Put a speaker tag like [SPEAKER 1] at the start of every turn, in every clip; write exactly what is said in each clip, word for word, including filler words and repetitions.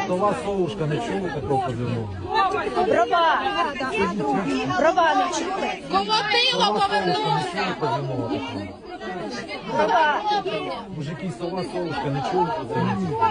[SPEAKER 1] Сова совушка, не чули такого позивного?
[SPEAKER 2] Брова. Брова не чули?
[SPEAKER 3] Колотило повернулося.
[SPEAKER 1] Позивного такого.
[SPEAKER 2] Брова.
[SPEAKER 1] Мужики, сова совушка, не чули позивного?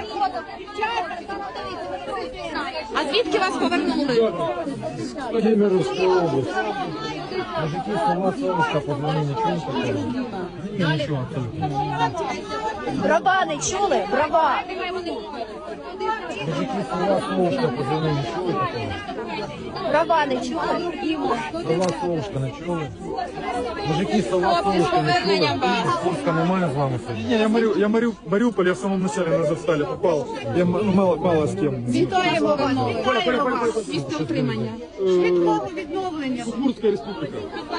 [SPEAKER 3] А звідки вас повернули?
[SPEAKER 1] Кемеровська область. Мужики, сова совушка, позвони, не чули такого? Ні, нічого абсолютно.
[SPEAKER 2] Брова не чули? Брова.
[SPEAKER 1] Мужики, сова совушка, позвони, не чули такого?
[SPEAKER 2] Брова не чули?
[SPEAKER 1] Сова совушка, не чули? Мужики, сова совушка, не чули? Курська немає з вами сьогодні?
[SPEAKER 4] Не, я, Мари... я Мари... Мариуполь, я в самом начале на Завстале попал. Я м- ну, мало, мало с кем.
[SPEAKER 3] Вітаємо вас. Місце утримання.
[SPEAKER 4] Швидкого відновлення. Удмуртская республика.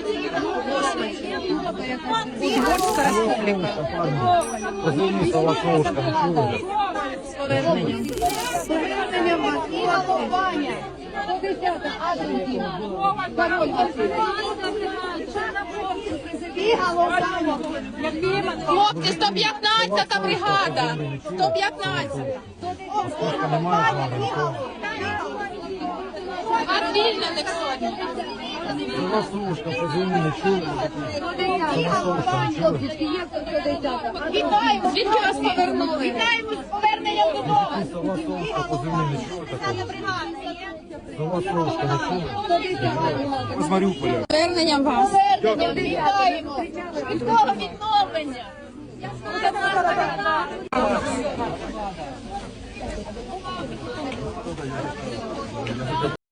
[SPEAKER 3] Удмуртська республіка.
[SPEAKER 1] Позвони, сова совушка, не чули?
[SPEAKER 3] З поверненням. Хлопці, сто п'ятнадцята бригада. сто п'ятнадцята.
[SPEAKER 1] Курська немає з вами нікого?
[SPEAKER 3] А звільнених сьогодні.
[SPEAKER 1] Сова совушка, позвони, не чули? Сова совушка, не чули?
[SPEAKER 3] Вітаємо. Звідки вас повернули? Вітаємо з поверненням додому.
[SPEAKER 1] Мужики, сова совушка, позвони, не чули такого? Сова совушка, не чули?
[SPEAKER 4] Из Мариуполя.
[SPEAKER 3] Поверненням вас.
[SPEAKER 2] Вітаємо. Швидкого відновлення.